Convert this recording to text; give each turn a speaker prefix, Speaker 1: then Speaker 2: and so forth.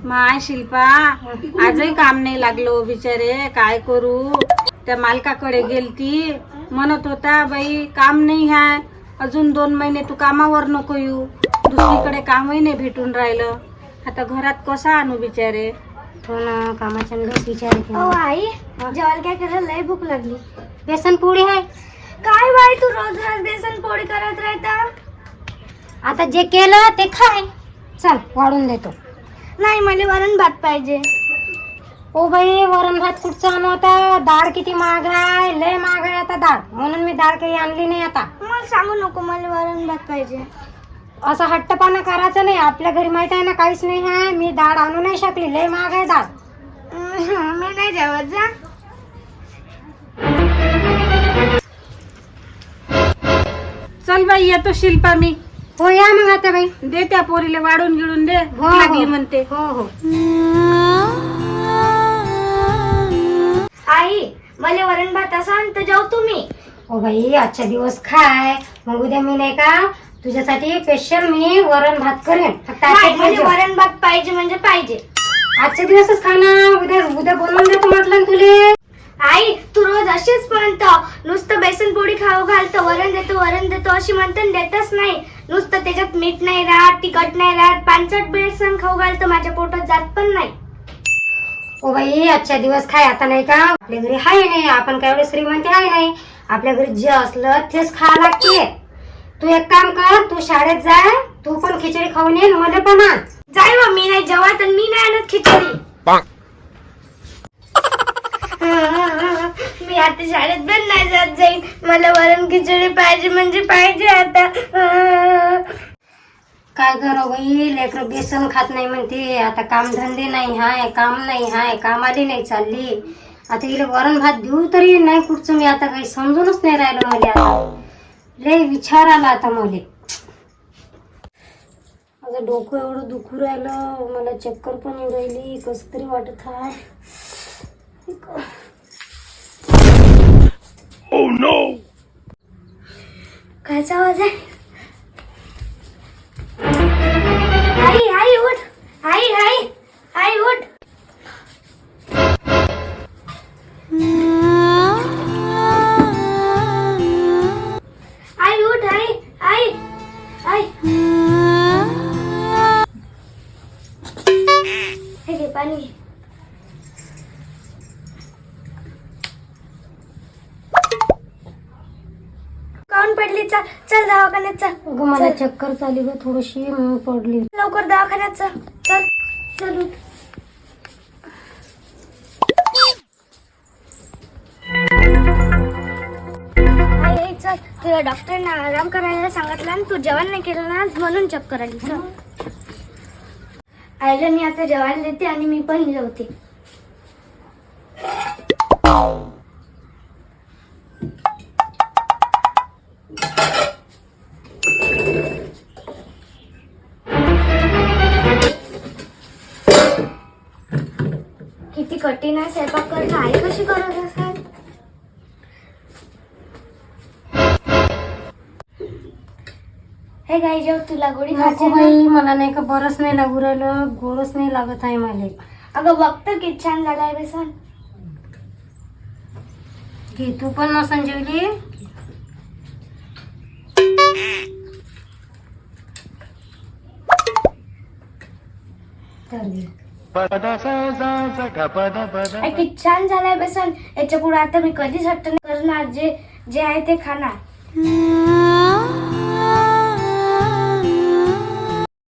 Speaker 1: माय शिल्पा आजही काम नाही लागलो बिचारे, काय करू. त्या मालकाकडे गेलती, म्हणत होता बाई काम नाही आहे, अजून 2 महिने तू कामावर नको येऊ. दुसरीकडे कामही नाही भेटून राहिलं. आता घरात कसं आणू बिचारे.
Speaker 2: हो ना, कामाच्या विचार.
Speaker 3: आई जेवायला काय करायला लय भूक लागली.
Speaker 2: बेसन पोळी आहे.
Speaker 3: काय बाई तू रोज रोज बेसन पोळी करत राहता.
Speaker 2: आता जे केलं ते खाय. चल वाढून देतो.
Speaker 3: नाही मला वरण भात पाहिजे.
Speaker 2: ओ बाई वरण भात कुठचा आणू आता, डाळ किती महाग आहे, लय महाग आहे आता डाळ, म्हणून मी डाळ काही आणली नाही. आता
Speaker 3: मला सांगू नको, मला वरण भात पाहिजे.
Speaker 2: असं हट्टपणा करायचं नाही. आपल्या घरी माहित आहे ना काहीच नाही आहे. मी डाळ आणू नाही शकली, लय महाग आहे डाळ.
Speaker 3: मी नाही जेवत जा.
Speaker 1: चल बाई येतो शिल्पा मी.
Speaker 2: हो या मग आता बाई.
Speaker 1: दे त्या पोरीला वाढून गिळून दे, भूक
Speaker 2: हो.
Speaker 1: लागली म्हणते.
Speaker 2: हो हो.
Speaker 3: आई मला वरण भात असं तर जाऊ तुम्ही.
Speaker 2: ओ बाई आजचा दिवस खाय, मग उद्या मी नाही का तुझ्यासाठी स्पेशल मी वरण भात करेन. फक्त आजच्या
Speaker 3: मला
Speaker 2: दिवस
Speaker 3: वरण भात पाहिजे म्हणजे पाहिजे.
Speaker 2: आजच्या दिवसच खा ना, उद्या उद्या बनवून देतो म्हटलं ना तुले.
Speaker 3: आई तू रोज अशीच म्हणतो, नुसतं बेसन पोळी खाऊ घालतो, वरण देतो अशी म्हणतो, देतच नाही. नुसतं त्याच्यात मीठ नाही राहत, तिखट नाही राहत, पांचट बेसन खाऊ घालतो, माझ्या पोटात जात पण नाही.
Speaker 2: ओ बाई आजच्या दिवस खाय. आता नाही का आपल्या घरी हाय नाही, आपण काय एवढे श्रीमंत आहे नाही. आपल्या घरी जे असलं तेच खावं लागते. तू एक काम कर, तू शाळेत जाय, तू पण खिचडी खाऊन ये, मला पण आण.
Speaker 3: जाय बा, मी नाही जेवत आणि मी नाही आणत खिचडी. मी आता शाळेत पण नाही जात जाईन. मला वरण खिचडी पाहिजे म्हणजे पाहिजे आता.
Speaker 2: काय करो बाई, लेकरं बेसन खात नाही म्हणते. आता काम धंदे नाही हाय, काम नाही हाय, कामाली नाही चालली. आता इले वरण भात देऊ तरी नाही कुठचं. मी आता काही समजूनच नाही राहिलं मला. आता लय विचार आला आता मला. माझं डोकं एवढं दुखू राहिलं, मला चक्कर पण येऊ राहिली, कसं तरी वाटत आहे.
Speaker 4: Oh no!
Speaker 3: कायचा आवाज आहे. आई आई उठ. आई आई आई उठ. आई उठ. आई आई आई. हे घे पाणी. काऊन पडली. चल चल दवाखान्यात चल.
Speaker 2: अगं मला चक्कर चाली ग थोडीशी, म्हणून पडली.
Speaker 3: लवकर दवाखान्यात चल. चल चल उठ. आई चल, तुला डॉक्टरने आराम करायला सांगितलं आणि तू जेवण नाही केलं ना म्हणून चक्कर आली. चल आईला मी आता जेवायला देते आणि मी पण जेवते. किती कठीण आहे स्वयंपाक करणं. आई कशी करत असेल. हे गाई जेव, तुला गोडी
Speaker 2: नको
Speaker 3: खायची ना?
Speaker 2: बाई, मला नाही का बरंच नाही लागू राहिलं, गोडच नाही लागत आहे मला.
Speaker 3: अगं बघतं किती छान झालाय बेसन.
Speaker 2: घे तू पण नसन जेवली. तर घे.
Speaker 3: आई, किती छान झालाय बेसन. याच्या पुढे आता मी कधीच हट्ट नाही करणार. जे जे आहे ते खाणार.